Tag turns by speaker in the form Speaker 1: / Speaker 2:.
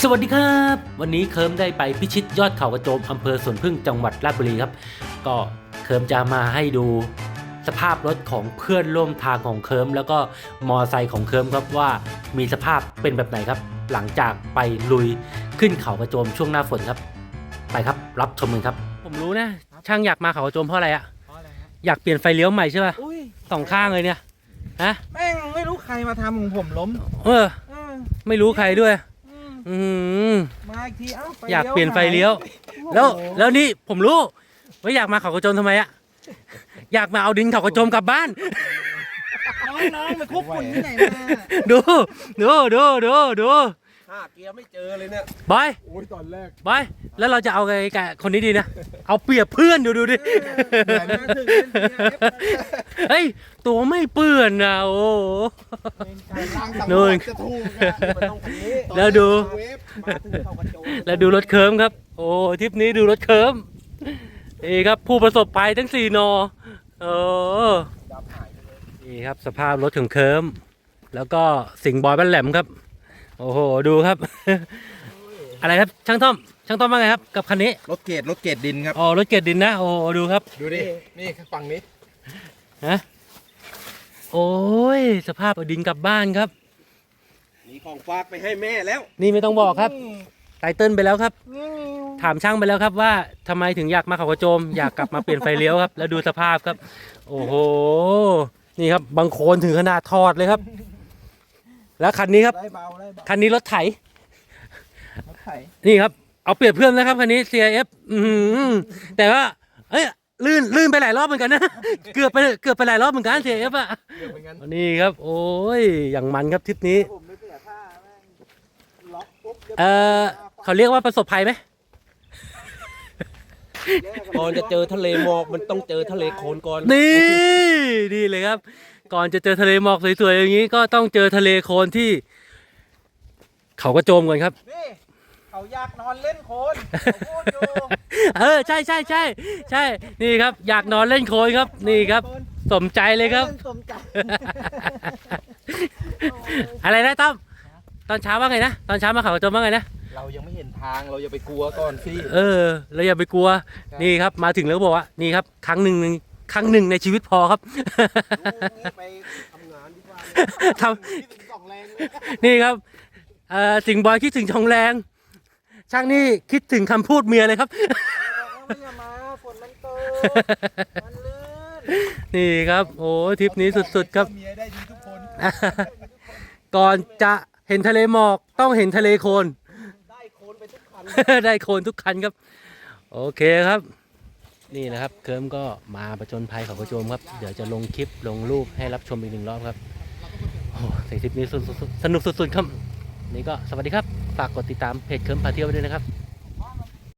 Speaker 1: สวัสดีครับวันนี้เคิร์มได้ไปพิชิตยอดเขากระโจมอำเภอสวนพึ่งจังหวัดราชบุรีครับก็เคิร์มจะมาให้ดูสภาพรถของเพื่อนร่วมทางของเคิร์มแล้วก็มอไซค์ของเคิร์มครับว่ามีสภาพเป็นแบบไหนครับหลังจากไปลุยขึ้นเขากระโจมช่วงหน้าฝนครับไปครับรับชมกันครับผมรู้นะช่างอยากมาเขากระโจมเพราะอะไรอะอยากเปลี่ยนไฟเลี้ยวใหม่ใช่ป่ะสองข้างเลยเนี่ยฮะ
Speaker 2: แม่งไม่รู้ใครมาทำของผมล้ม
Speaker 1: ไม่รู้ใครด้วย
Speaker 2: มาอีกที
Speaker 1: อยากเปลี่ยนไฟเลี้ยวแล้วนี่ผมรู้ว่าอยากมาเขากระโจมทำไมอะอยากมาเอาดินเขากระโจมกลับบ้าน
Speaker 2: น้องๆไปคุกฝุ่นที่ไหนมา
Speaker 1: ดู
Speaker 2: ห้าเกียร์ไม่เจอเลยเนี่ย
Speaker 1: บอย
Speaker 2: โอ้ยตอนแรก
Speaker 1: บอยแล้วเราจะเอาไงกับคนนี้ดีนะเอาเปรียบเพื่อนดูดิเฮ้ยตัวไม่เปื้อนนะโอ้นู่นแล้วดูรถเคิร์มครับโอ้ทริปนี้ดูรถเคิร์มนี่ครับผู้ประสบภัยทั้ง4 นอนี่ครับสภาพรถของเคิร์มแล้วก็สิงห์บอยบ้านแหลมครับโอ้โหดูครับอะไรครับช่างต้อมว่าไงครับกับคันนี้
Speaker 2: รถเกรดดินครับ
Speaker 1: อ๋อรถเกรดดินนะโอ้ดูครับ
Speaker 2: ดูดินี่ฝั่งนี้
Speaker 1: ฮะโอ้ยสภาพเอาดินกลับบ้านครับ
Speaker 2: มีของฝากไปให้แม่แล้ว
Speaker 1: นี่ไม่ต้องบอกครับไตเติ้ลไปแล้วครับถามช่างไปแล้วครับว่าทำไมถึงอยากมาเขากระโจมอยากกลับมาเปลี่ยนไฟเลี้ยวครับแล้วดูสภาพครับโอ้โหนี่ครับบางโคนถึงขนาดถอดเลยครับแล้วคันนี้ครับคันนี้รถไถนี่ครับเอาเปรียบเพื่อนนะครับคันนี้ CIF แต่ว่าเอ้ยลื่นไปหลายรอบเหมือนกันนะเกือบไปหลายรอบเหมือนกัน CIF อ่ะนี่ครับโอ้ยอย่างมันครับทริปนี้เขาเรียกว่าประสบภัยไหม
Speaker 2: ก่อนจะเจอทะเลหมอกมันต้องเจอทะเลโคลนก่อน
Speaker 1: นี่เลยครับก่อนจะเจอทะเลหมอกสวยๆอย่างนี้ก็ต้องเจอทะเลโคลนที่เขากระโจมก่อนครับ
Speaker 2: นี่เขาอยากนอนเล่นโคลนพูดอยู่
Speaker 1: ใช่นี่ครับอยากนอนเล่นโคลนครับนี่ครับสมใจเลยครับอะไรนะตั้มตอนเช้าว่าไงนะตอนเช้ามาเขากระโจมว่าไงนะ
Speaker 2: เรายังไม่เห็นทางเราอย่าไปกลัวก่อนสิ
Speaker 1: เราอย่าไปกลัวนี่ครับมาถึงแล้วบอกว่านี่ครับครั้งหนึ่งในชีวิตพอครับ
Speaker 2: ไปทำงานดีกว่า
Speaker 1: นี่ครับสิงห์บอยคิดถึงชองแรงช่างนี่คิดถึงคำพูดเมียเลยครับ
Speaker 2: ฝนมันตกมันลื่น
Speaker 1: นี่ครับโอ้ทริปนี้สุดๆครับ
Speaker 2: เมียได้ดีทุกคน
Speaker 1: ก่อนจะเห็นทะเลหมอกต้องเห็นทะเลโคลน
Speaker 2: ได้โคลนไปทุกคัน
Speaker 1: ได้โคลนทุกคันครับโอเคครับนี่นะครับเคิร์มก็มาประจนภัยเขากระโจมครับเดี๋ยวจะลงคลิปลงรูปให้รับชมอีก1 รอบครับโอ้ในคลิปนี้สนุกสุดๆครับนี่ก็สวัสดีครับฝากกดติดตามเพจเคิร์มพาเที่ยวไว้ด้วยนะครับ